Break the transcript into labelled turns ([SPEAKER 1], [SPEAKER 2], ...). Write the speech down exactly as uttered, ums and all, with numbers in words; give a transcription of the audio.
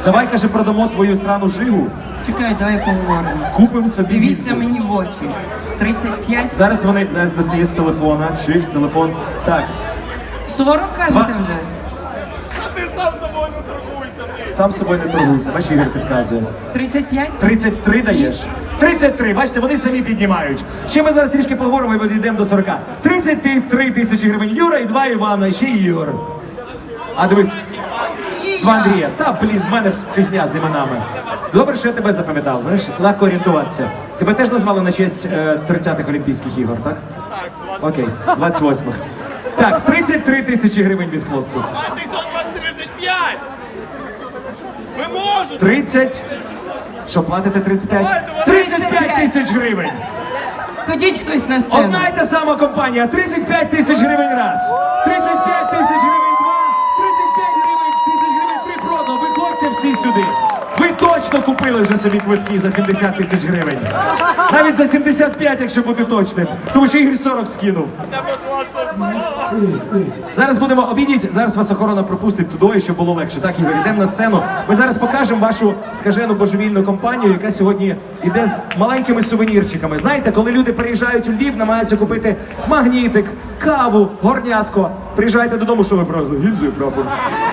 [SPEAKER 1] Давай, каже, продамо твою срану жигу.
[SPEAKER 2] Чекай, давай поговоримо.
[SPEAKER 1] Купимо собі.
[SPEAKER 2] Дивіться
[SPEAKER 1] гільзу.
[SPEAKER 2] мені в очі. тридцять п'ять.
[SPEAKER 1] Зараз вони зараз достає з телефона, чик, з телефон. Так,
[SPEAKER 2] сорок кажете вже?
[SPEAKER 3] Ти сам собою не торгуйся, ти.
[SPEAKER 1] сам з собою не торгуйся. Бачиш, Ігор підказує.
[SPEAKER 2] тридцять п'ять?
[SPEAKER 1] тридцять три даєш? тридцять три, бачите, вони самі піднімають. Ще ми зараз трішки поговоримо і підійдемо до сорока. тридцять три тисячі гривень Юра і два Івана, і ще Ігор. А дивись, два Андрія. Та, блін, в мене фігня з іменами. Добре, що я тебе запам'ятав, знаєш, легко орієнтуватися. Тебе теж назвали на честь е, тридцятих Олімпійських ігор, так?
[SPEAKER 3] Так,
[SPEAKER 1] Окей, двадцять восьмих. Так, тридцять три тисячі гривень від хлопців.
[SPEAKER 3] а ти хто тридцять п'ять? Ви можете!
[SPEAKER 1] тридцять. Що, платите тридцять п'ять? тридцять п'ять тисяч гривень!
[SPEAKER 2] Ходіть хтось на сцену.
[SPEAKER 1] Одна й та сама компанія, тридцять п'ять тисяч гривень раз, тридцять п'ять тисяч гривень два, тридцять п'ять гривень, тисяч гривень три продано. Виходьте всі сюди. Ви точно купили вже собі квитки за сімдесят тисяч гривень. Навіть за сімдесят п'ять, якщо бути точним. Тому що Ігор сорок скинув. Зараз будемо обійдіть, зараз вас охорона пропустить туди, щоб було легше. Так, Ігор, йдемо на сцену. Ми зараз покажемо вашу скажену божевільну компанію, яка сьогодні йде з маленькими сувенірчиками. Знаєте, коли люди приїжджають у Львів, намагаються купити магнітик, каву, горнятко. Приїжджайте додому, що ви привезли? Гільзу і прапор.